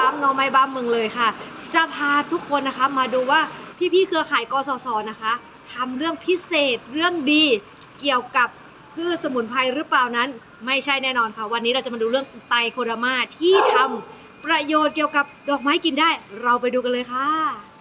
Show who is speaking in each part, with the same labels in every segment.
Speaker 1: บัมน้องไม้บัมเมืองเลยค่ะจะพาทุกคนนะคะมาดูว่าพี่ๆเครือข่ายกสศนะคะทำเรื่องพิเศษเรื่องดีเกี่ยวกับพืชสมุนไพรหรือเปล่านั้นไม่ใช่แน่นอนค่ะวันนี้เราจะมาดูเรื่องไตรโคเดอร์มาที่ทำประโยชน์เกี่ยวกับดอกไม้กินได้เราไปดูกันเลยค่ะ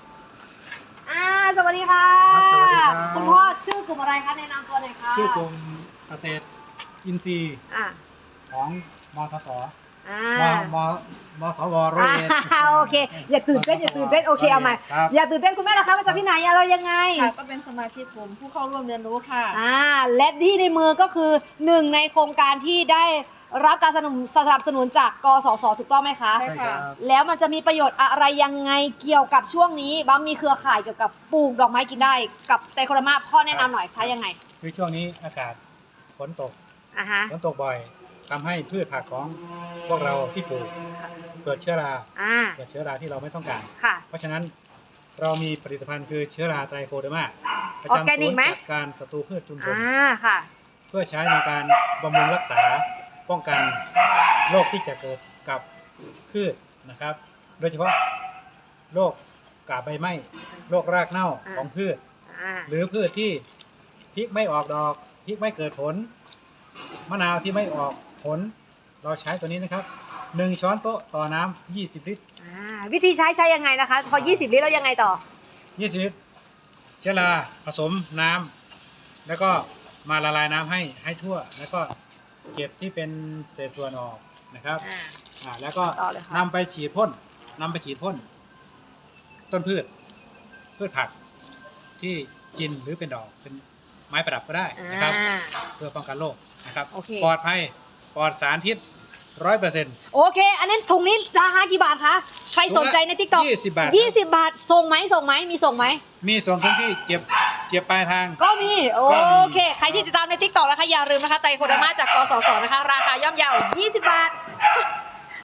Speaker 1: สวัสดีค่ะ
Speaker 2: สวัสดีครับ
Speaker 1: คุณพ่อชื่อกลุ่มอะไรคะแนะนำตัวหน่อยค่ะ
Speaker 2: ชื่อกลุ่มเกษตรอินทรีย์
Speaker 1: อ่า
Speaker 2: ของมทส
Speaker 1: อ่า
Speaker 2: มสวร้อยเอ็ด
Speaker 1: โอเคอย่าตื่นเต้นโอเคเอาใหม่
Speaker 2: ครับ
Speaker 1: อย่าตื่นเต้นคุณแม่นะคะมาจากที่ไหนเรายังไง
Speaker 3: ค่ะก็เป็นสมาชิกกลุ่มผู้เข้าร่วมเรียนรู้ค่ะ
Speaker 1: และที่ในมือก็คือหนึ่งในโครงการที่ได้รับการสนับสนุนจากกสศถูกต้องไหมคะ
Speaker 3: ใช่
Speaker 2: ใช่ครับ
Speaker 1: แล้วมันจะมีประโยชน์อะไรยังไงเกี่ยวกับช่วงนี้บ้างมีเครือข่ายเกี่ยวกับปลูกดอกไม้กินได้กับไตรโคเดอร์มาพ่อแนะนำหน่อยคะยังไง
Speaker 2: คือช่วงนี้อากาศฝนตก
Speaker 1: อ่ะฮะ
Speaker 2: ฝนตกบ่อยทำให้พืชผักของพวกเราที่ปลูกเกิดเชื้อรา เกิดเชื้อราที่เราไม่ต้องการ
Speaker 1: ค่ะ
Speaker 2: เพราะฉะนั้นเรามีผลิตภัณฑ์คือเชื้อราไตรโคเดอร์มาประ
Speaker 1: ออร์
Speaker 2: จำ
Speaker 1: แกนิ
Speaker 2: ศู
Speaker 1: ก
Speaker 2: นย์
Speaker 1: ไหม
Speaker 2: จัดการศัตรูพืชชุมชน
Speaker 1: ค่ะ
Speaker 2: เพื่อใช้ในการบำรุงรักษาป้องกันโรคที่จะเกิดกับพืชนะครับ โดยเฉพาะโรคกาบใบไหม้โรครากเน่าของพืช หรือพืชที่พริกไม่ออกดอกพริกไม่เกิดผล มะนาวที่ไม่ออกผล เราใช้ตัวนี้นะครับ1 ช้อนโต๊ะต่อน้ำ20 ลิตร
Speaker 1: วิธีใช้ยังไงนะคะ พอ 20 ลิตรแล้วยังไงต่อ
Speaker 2: 20 ลิตรเชื้อราผสมน้ำแล้วก็มาละลายน้ำให้ทั่ว แล้วก็เก็บที่เป็นเศษส่วนออกนะครับแล้วก็
Speaker 1: ต่อเลยค่ะ
Speaker 2: นำไปฉีดพ่นต้นพืชผักที่กินหรือเป็นดอกเป็นไม้ประดับก็ได้นะครับ เพื่อป้องกันโรคนะครับ
Speaker 1: โอเค
Speaker 2: ปลอดภัยปลอดสารพิษ100%
Speaker 1: โอเค อันนั้นถุงนี้ราคากี่บาทคะ ใครสนใจใน TikTok
Speaker 2: 20 บาท
Speaker 1: 20 บาท ส่งไหม มีส่งไหม
Speaker 2: มีส่วนทั้งที่เก็บปลายทาง
Speaker 1: ก็มี โอ
Speaker 2: ก็มี
Speaker 1: เค ใครที่ติดตามใน TikTok นะคะ อย่าลืมนะคะ ไตรโคเดอร์มาจากกสศนะคะ ราคาย่อมเยา 20 บาท